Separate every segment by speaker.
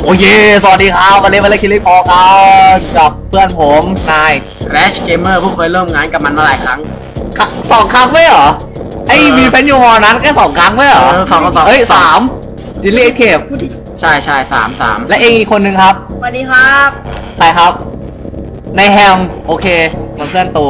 Speaker 1: โอเคสวัสดีครับวันนี้มาเล่นคิริพอกันกับเพื่อนผมนาย
Speaker 2: Crash Gamer ผู้เคยเริ่มงานกับมันมาหลายครั้ง
Speaker 1: 2 ครั้งไม่เหรอไอ้มีแฟนยูฮอนั้นแค่2 ครั้งไม่เหรอ
Speaker 2: สอง
Speaker 1: เฮ้ย3ดิลลี่เคป
Speaker 2: ใช่3
Speaker 1: และเองอีกคนนึงครับ
Speaker 3: สวัสดีครับ
Speaker 1: ใครครับในแฮมโอเคมันเส้นตู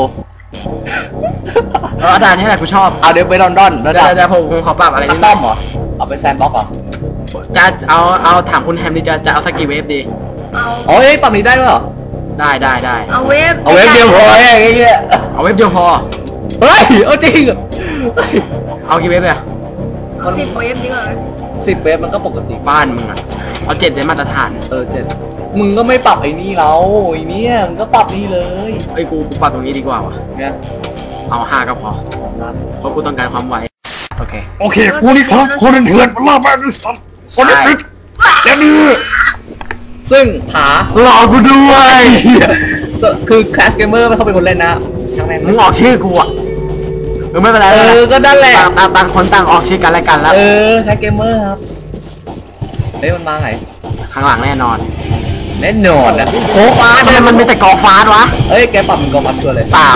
Speaker 2: อาจารย์นี่แหละกูชอบ
Speaker 1: เอาเดี๋ยวไปดอนแล้วเ
Speaker 2: ดี๋ยวผมขอปรับอะไร
Speaker 1: นิดหน่อยเหรอเอาเป็นแซนบ็อกเหรอ
Speaker 2: จะเอาถามคุณแฮมดิจะเอาสักกี่เวฟดี
Speaker 1: โอ้ยปรับนี้ได้ด้วยเหรอ
Speaker 2: ได้
Speaker 3: เอาเวฟ
Speaker 1: เดียวพอไอ้เงี้ย
Speaker 2: เอาเวฟเดียวพอ
Speaker 1: เฮ้ยเอาจริง
Speaker 2: เอากี่เวฟเลย
Speaker 3: เอา10 เวฟดีกว่า
Speaker 1: 10 เวฟมันก็ปกติ
Speaker 2: บ้านมึงอ่ะเอา7เป็นมาตรฐาน
Speaker 1: 7มึงก็ไม่ปรับไอ้นี่เราไอ้นี่มึงก็ปรับนี่เลย
Speaker 2: ไอ้กูปรับตรงนี้ดีกว่าวะ
Speaker 1: เนี่ย
Speaker 2: เอา5ก็พอเพราะกูต้องการความไวโอเค
Speaker 1: กูนี่ครับคนเถื่อนมันล่าแม่ด้วยสัตว์คนนี้ปิดเดี๋ยวนี้ซึ่งขา
Speaker 2: หลอกกูด้วย
Speaker 1: คือ Crash Gamer ไม่เขาเป็นคนเล่นนะ
Speaker 2: มึงออกชื่อกูอ่ะไม่เป็นไร
Speaker 1: ก็นั่นแหละ
Speaker 2: ต่างคนต่างออกชื่อกันแล้วกันแล้ว
Speaker 1: Crash Gamer ครับเฮ้ยมันมาไง
Speaker 2: ข้างหลังแน่นอน
Speaker 1: นะ
Speaker 2: โกฟาสมันมีแต่กอฟาสวะ
Speaker 1: เฮ้ยแกปรับมันกอฟาสตัวเลย
Speaker 2: เปล่า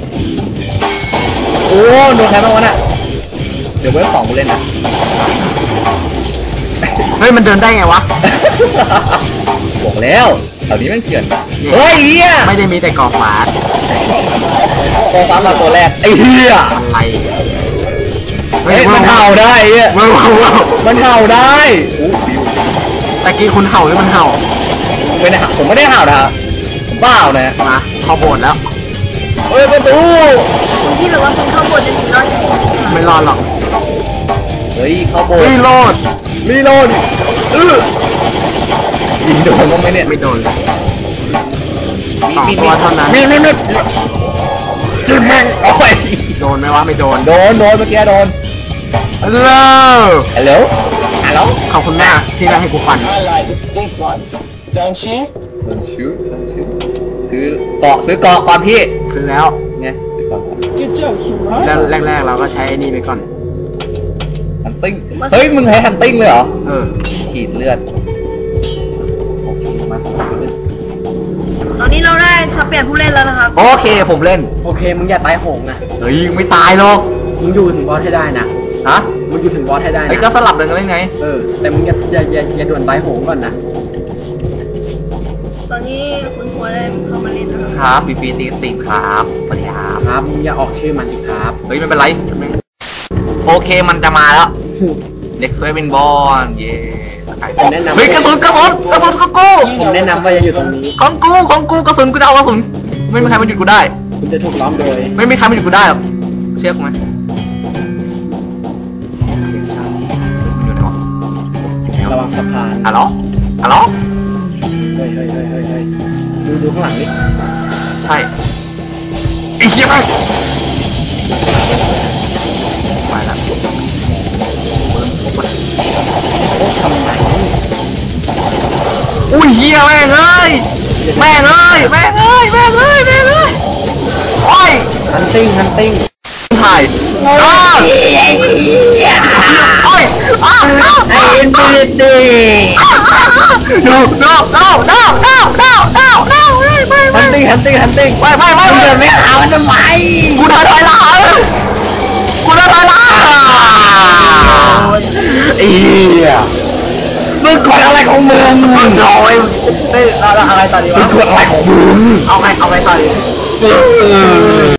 Speaker 1: โอ้โดนใครบ้างวะน่ะเดี๋ยวเว็บ2กูเล่นนะ
Speaker 2: เฮ้ยมันเดินได้ไงวะ
Speaker 1: บอกแล้วแถวนี้มันเถื่อนเฮ้ยเฮีย
Speaker 2: ไม่ได้มีแต่กอฟาส
Speaker 1: มาตัวแรกไอ้เฮีย
Speaker 2: อะไร
Speaker 1: เฮ้ยมันเห่าได้เฮียมันเห่าได้
Speaker 2: ตะกี้คุณเห่าหรือมันเห่า
Speaker 1: ไม่ได้ผมไม่ได้เห่านะบ้าเนี่ย
Speaker 2: มาเข้าโบสถ์แล้ว
Speaker 1: เฮ้ยประตู
Speaker 3: คุณที่หรือว่าคุณเข้าโบสถ์จะถึงรอด
Speaker 2: ไม่รอดหรอก
Speaker 1: เฮ้ยเข้าโบสถ์
Speaker 2: รีโหลด
Speaker 1: ยิงโดนก็ไม่เนี่ย
Speaker 2: ไม่โดน
Speaker 1: มี
Speaker 2: ตัวเท่านั้น
Speaker 1: มีจิ้มแม่งโอ้ย
Speaker 2: โดนไหมวะไม่โดน
Speaker 1: เมื่อกี้โดน
Speaker 2: ฮัลโหลขอบคุณมากที่ได้ให้กูฟัน
Speaker 1: ซื้อเกาะก่อนพี่
Speaker 2: ซื้อแล้ว
Speaker 1: เนี่ยซื้อเกาะ
Speaker 2: แรกเราก็ใช้นี่ไปก่อน
Speaker 1: ฮันติ้งเฮ้ยมึงให้ฮันติ้งเลยเหรอขีดเลือด
Speaker 3: โอเคมาสมัครเล่นตอนนี้เราได้สับเปลี่ยนผู้เล่นแล้วนะครับ
Speaker 1: โอเคผมเล่น
Speaker 2: โอเคมึงอย่าตายโหงนะ
Speaker 1: เฮ้ยไม่ตายหรอก
Speaker 2: มึงอยู่ถึงบอสให้ได้นะ
Speaker 1: ฮะ
Speaker 2: มึงอยู่ถึงบอสให้ได้นะ
Speaker 1: ไอ้ก็สลับกันเลยไง
Speaker 2: แต่มึงอย่าด่วนตายโหงก่อนนะ
Speaker 3: ตอนนี้คุณหัวได้เข้ามาเล่นแล้ว
Speaker 1: ครับฟีตีสตีครับสวัสดี
Speaker 2: ครับมึงอย่าออกชื่อมันสิครับ
Speaker 1: เฮ้ยไม่เป็นไรโอเคมันจะมาแล้วเด็กสวยเป็นบอลเย่
Speaker 2: ผมแนะนำ
Speaker 1: เฮ้ยกระสุนของกู
Speaker 2: ผมแนะนำว่าจะอยู่ตรงนี้
Speaker 1: ของกูกระสุนกูจะเอากระสุนไม่มีใครมาหยุดกูได้
Speaker 2: คุณจะถูกล้อมโดย
Speaker 1: ไม่มีใครมาหยุดกูได้หรอกเชื่อกูไหม
Speaker 2: ระวังสะพาน
Speaker 1: ฮัลโหล
Speaker 2: เฮ้ยดูข้างหลังนี่
Speaker 1: ใช่ไอ้เหี้ยไปแล้ว
Speaker 2: ทำไม
Speaker 1: อุ้ยเหี้ยแม่งเอ้ยโอ้ย
Speaker 2: ฮันติ้ง
Speaker 1: ถ่าย
Speaker 2: โอ้ย
Speaker 1: ไอ้อินฟินิตี้no ฮันติ้งไป
Speaker 2: เดินไม่หามันทำไม
Speaker 1: กูถอยหลัง
Speaker 2: ไอ้เหี้ยมึงกดอะไรของมึง
Speaker 1: ลอย
Speaker 2: เราอะไรตอนนี้วะ
Speaker 1: มึงกดอะไรของมึง
Speaker 2: เอาไงตอนนี้